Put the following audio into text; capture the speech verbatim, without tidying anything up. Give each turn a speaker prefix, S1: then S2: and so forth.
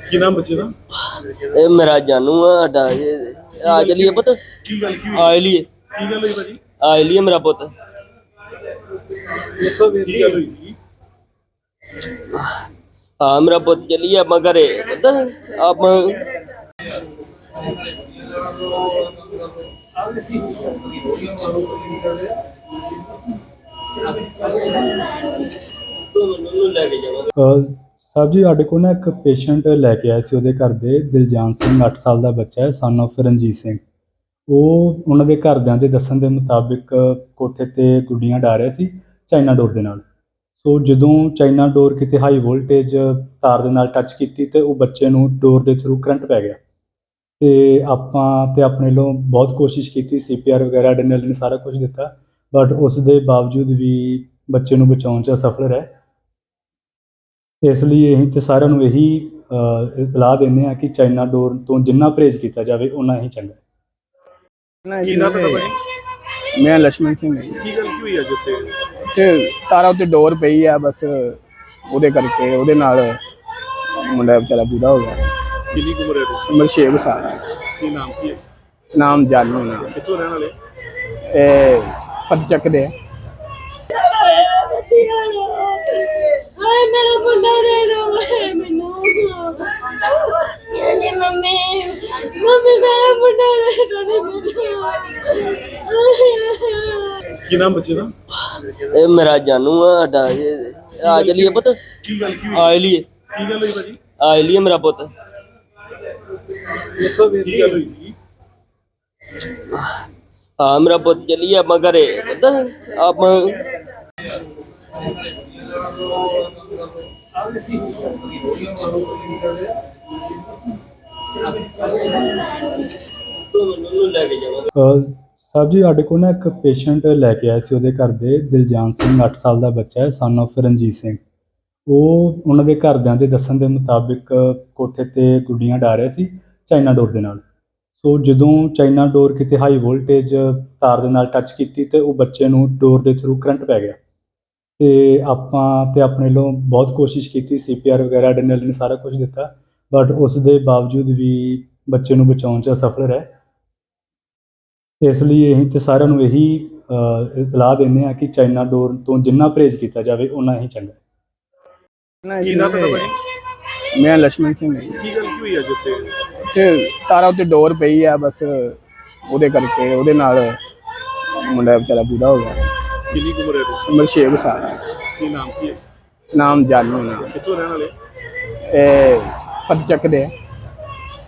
S1: ਕੀ ਨਾਮ ਬੱਚੇ ਦਾ?
S2: ਇਹ ਮੇਰਾ ਜਾਨੂ ਆ ਸਾਡਾ ਇਹ ਆ ਚਲੀਏ ਪੁੱਤ
S1: ਕੀ ਗੱਲ ਕੀ ਹੋਈ?
S2: ਆ ਲਈਏ
S1: ਕੀ ਗੱਲ ਹੋਈ ਭਾਜੀ?
S2: ਆ ਲਈਏ ਮੇਰਾ ਪੁੱਤ
S1: ਕੀ ਗੱਲ ਹੋਈ ਸੀ?
S2: ਹਾਂ ਮੇਰਾ ਪੁੱਤ ਚਲੀਏ ਆਪਾਂ ਘਰੇ ਪੁੱਤ ਆਪਾਂ ਲੈ ਕੇ ਜਾਵਾਂ।
S3: ਸਾਹਿਬ ਜੀ ਸਾਡੇ ਕੋਲ ਨਾ ਇੱਕ ਪੇਸ਼ੈਂਟ ਲੈ ਕੇ ਆਏ ਸੀ, ਉਹਦੇ ਘਰ ਦੇ ਦਿਲਜਾਨ ਸਿੰਘ ਅੱਠ ਸਾਲ ਦਾ ਬੱਚਾ ਹੈ, ਸਨ ਆਫ ਰਣਜੀਤ ਸਿੰਘ। ਉਹ ਉਹਨਾਂ ਦੇ ਘਰਦਿਆਂ ਦੇ ਦੱਸਣ ਦੇ ਮੁਤਾਬਿਕ ਕੋਠੇ ਤੇ ਗੁੱਡੀਆਂ ਡਾ ਰਿਹਾ ਸੀ ਚਾਈਨਾ ਡੋਰ ਦੇ ਨਾਲ। ਸੋ ਜਦੋਂ ਚਾਈਨਾ ਡੋਰ ਕਿਤੇ ਹਾਈ ਵੋਲਟੇਜ ਤਾਰ ਦੇ ਨਾਲ ਟੱਚ ਕੀਤੀ ਤੇ ਉਹ ਬੱਚੇ ਨੂੰ ਡੋਰ ਦੇ ਥਰੂ ਕਰੰਟ ਪੈ ਗਿਆ। ਤੇ ਆਪਾਂ ਤੇ ਆਪਣੇ ਵੱਲੋਂ ਬਹੁਤ ਕੋਸ਼ਿਸ਼ ਕੀਤੀ, ਸੀ ਪੀ ਆਰ ਵਗੈਰਾ ਐਡਰੇਨਾਲਿਨ ਸਾਰਾ ਕੁਝ ਦਿੱਤਾ, ਬਟ ਉਸ ਦੇ ਬਾਵਜੂਦ ਵੀ ਬੱਚੇ ਨੂੰ ਬਚਾਉਣ 'ਚ ਅਸਫਲ ਰਹੇ। ਇਸ ਲਈ ਅਸੀਂ ਤੇ ਸਾਰਿਆਂ ਨੂੰ ਇਹੀ ਇਤਲਾਹ ਦਿੰਦੇ ਹਾਂ ਕਿ ਚਾਈਨਾ ਡੋਰ ਤੋਂ ਜਿੰਨਾ ਪਰਹੇਜ਼ ਕੀਤਾ ਜਾਵੇ ਉਨਾ ਹੀ ਚੰਗਾ।
S1: ਕੀ ਨਾਮ ਤੁਹਾਡਾ ਭਾਜੀ?
S4: ਮੈਂ ਲక్ష్మణ ਸਿੰਘ ਹਾਂ ਜੀ।
S1: ਕੀ ਗੱਲ ਕੀ ਹੋਈ ਅੱਜ ਇੱਥੇ?
S4: ਤੇ ਤਾਰਾ ਉੱਤੇ ਡੋਰ ਪਈ ਆ, ਬਸ ਉਹਦੇ ਕਰਕੇ ਉਹਦੇ ਨਾਲ ਮੁੰਡਾ ਵਿਚਾਰਾ ਪੂਰਾ ਹੋ ਗਿਆ।
S1: ਕਿੰਨੀ ਕੁ ਉਮਰ ਹੈ ਇਹਦੀ?
S4: ਉਮਰ ਛੇ ਕੁ ਸਾਲ ਹੈ।
S1: ਕੀ ਨਾਮ ਕੀ ਹੈ?
S4: ਨਾਮ ਜਾਨੂ ਨਾਮ
S1: ਕਿੱਥੋਂ ਰਹਿਣ ਵਾਲੇ?
S4: ਇਹ ਪਤਚੱਕ ਦੇ ਆ।
S5: ਹਾਏ ਮੇਰਾ ਮੁੰਡਾ ਦੇ ਦੋ ਮੈਨੂੰ ਮੇਰੀ ਮੰਮੀ ਮੰਮੀ ਮੇਰਾ ਮੁੰਡਾ ਦੇ ਦੋ ਮੈਨੂੰ।
S1: ਕੀ ਨਾਮ ਬੱਚੇ ਦਾ?
S2: ਇਹ ਮੇਰਾ ਜਾਨੂ ਆ ਸਾਡਾ ਇਹ ਆ ਚਲੀਏ ਪੁੱਤ
S1: ਕੀ ਗੱਲ ਕੀ ਹੋਈ?
S2: ਆ ਲਈਏ
S1: ਕੀ ਗੱਲ ਹੋਈ ਭਾਜੀ?
S2: ਆ ਲਈਏ ਮੇਰਾ ਪੁੱਤ
S1: ਕੀ ਗੱਲ ਹੋਈ ਸੀ?
S2: ਹਾਂ ਮੇਰਾ ਪੁੱਤ ਚਲੀਏ ਆਪਾਂ ਘਰੇ ਪੁੱਤ ਆਪਾਂ ਲੈ ਕੇ ਜਾਵਾਂ।
S3: ਸਾਹਿਬ ਜੀ ਸਾਡੇ ਕੋਲ ਨਾ ਇੱਕ ਪੇਸ਼ੈਂਟ ਲੈ ਕੇ ਆਏ ਸੀ, ਉਹਦੇ ਘਰ ਦੇ ਦਿਲਜਾਨ ਸਿੰਘ ਅੱਠ ਸਾਲ ਦਾ ਬੱਚਾ ਹੈ, ਸਨ ਆਫ ਰਣਜੀਤ ਸਿੰਘ। ਉਹ ਉਹਨਾਂ ਦੇ ਘਰਦਿਆਂ ਦੇ ਦੱਸਣ ਦੇ ਮੁਤਾਬਿਕ ਕੋਠੇ ਤੇ ਗੁੱਡੀਆਂ ਡਾ ਰਿਹਾ ਸੀ ਚਾਈਨਾ ਡੋਰ ਦੇ ਨਾਲ। ਸੋ ਜਦੋਂ ਚਾਈਨਾ ਡੋਰ ਕਿਤੇ ਹਾਈ ਵੋਲਟੇਜ ਤਾਰ ਦੇ ਨਾਲ ਟੱਚ ਕੀਤੀ ਤੇ ਉਹ ਬੱਚੇ ਨੂੰ ਡੋਰ ਦੇ ਥਰੂ ਕਰੰਟ ਪੈ ਗਿਆ। ਤੇ ਆਪਾਂ ਤੇ ਆਪਣੇ ਵੱਲੋਂ ਬਹੁਤ ਕੋਸ਼ਿਸ਼ ਕੀਤੀ, ਸੀ ਪੀ ਆਰ ਵਗੈਰਾ ਐਡਰੇਨਾਲਿਨ ਸਾਰਾ ਕੁਝ ਦਿੱਤਾ, ਬਟ ਉਸ ਦੇ ਬਾਵਜੂਦ ਵੀ ਬੱਚੇ ਨੂੰ ਬਚਾਉਣ 'ਚ ਅਸਫਲ ਰਹੇ। ਇਸ ਲਈ ਅਸੀਂ ਤੇ ਸਾਰਿਆਂ ਨੂੰ ਇਹੀ ਇਤਲਾਹ ਦਿੰਦੇ ਹਾਂ ਕਿ ਚਾਈਨਾ ਡੋਰ ਤੋਂ ਜਿੰਨਾ ਪਰਹੇਜ਼ ਕੀਤਾ ਜਾਵੇ ਉਨਾ ਹੀ ਚੰਗਾ।
S1: ਕੀ ਨਾਮ ਤੁਹਾਡਾ ਭਾਜੀ?
S4: ਮੈਂ ਲక్ష్మణ ਸਿੰਘ ਹਾਂ ਜੀ।
S1: ਕੀ ਗੱਲ ਕੀ ਹੋਈ ਅੱਜ ਇੱਥੇ?
S4: ਤੇ ਤਾਰਾ ਉੱਤੇ ਡੋਰ ਪਈ ਆ, ਬਸ ਉਹਦੇ ਕਰਕੇ ਉਹਦੇ ਨਾਲ ਮੁੰਡਾ ਵਿਚਾਰਾ ਪੂਰਾ ਹੋ ਗਿਆ।
S1: ਕਿੰਨੀ ਕੁ ਉਮਰ ਹੈ ਇਹਦੀ?
S4: ਉਮਰ ਛੇ ਕੁ ਸਾਲ ਹੈ।
S1: ਕੀ ਨਾਮ ਕੀ ਹੈ?
S4: ਨਾਮ ਜਾਨੂ ਨਾਮ
S1: ਕਿੱਥੋਂ ਰਹਿਣ ਵਾਲੇ?
S4: ਇਹ ਪਤਚੱਕ ਦੇ ਆ।